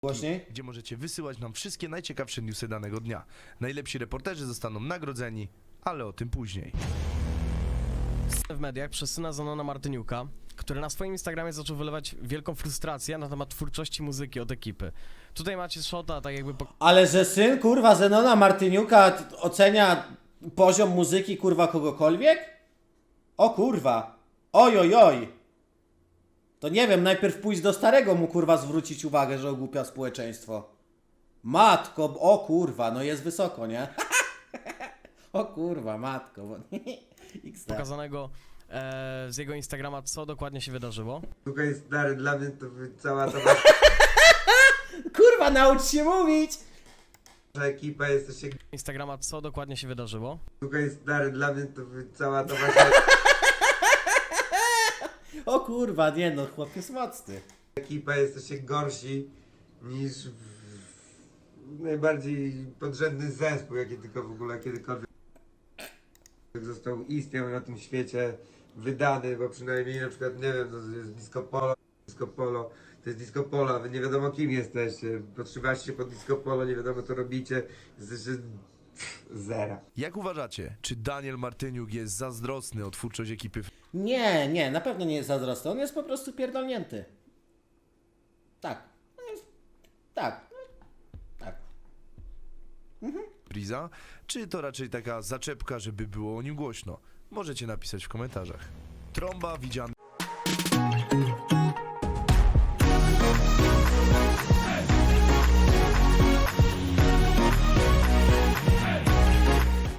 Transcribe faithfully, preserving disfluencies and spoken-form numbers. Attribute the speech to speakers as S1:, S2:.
S1: Głośniej?
S2: Gdzie możecie wysyłać nam wszystkie najciekawsze newsy danego dnia. Najlepsi reporterzy zostaną nagrodzeni, ale o tym później.
S3: W mediach przez syna Zenona Martyniuka, który na swoim Instagramie zaczął wylewać wielką frustrację na temat twórczości muzyki od ekipy. Tutaj macie shota, tak jakby...
S1: Ale że syn, kurwa, Zenona Martyniuka t- ocenia poziom muzyki, kurwa, kogokolwiek? O kurwa. Oj, oj, oj. To nie wiem, najpierw pójść do starego mu, kurwa, zwrócić uwagę, że ogłupia społeczeństwo. Matko, o kurwa, no jest wysoko, nie? O kurwa, matko. Bo... X D.
S3: pokazanego e, z jego Instagrama, co dokładnie się wydarzyło.
S4: Słuchaj stary, dla mnie to by cała ta wasza
S1: Kurwa, naucz się mówić!
S4: ekipa jesteście...
S3: Instagrama, co dokładnie się wydarzyło.
S4: Słuchaj stary, dla mnie to by cała ta wasza
S1: O kurwa, nie no, chłop jest mocny.
S4: ekipa jesteście gorsi niż w... najbardziej podrzędny zespół, jaki tylko w ogóle kiedykolwiek został istniał na tym świecie, wydany, bo przynajmniej na przykład, nie wiem, to jest Disco Polo, Disco Polo, to jest Disco Polo, a wy nie wiadomo kim jesteście, podszywacie się pod Disco Polo, nie wiadomo co robicie, jesteście zera.
S2: Jak uważacie, czy Daniel Martyniuk jest zazdrosny o twórczość ekipy
S1: Nie, nie, na pewno nie jest zazdrosny, on jest po prostu pierdolnięty. Tak. No jest- Tak. Tak.
S2: Freeza, czy to raczej taka zaczepka, żeby było o nim głośno? Możecie napisać w komentarzach. Trąba widziana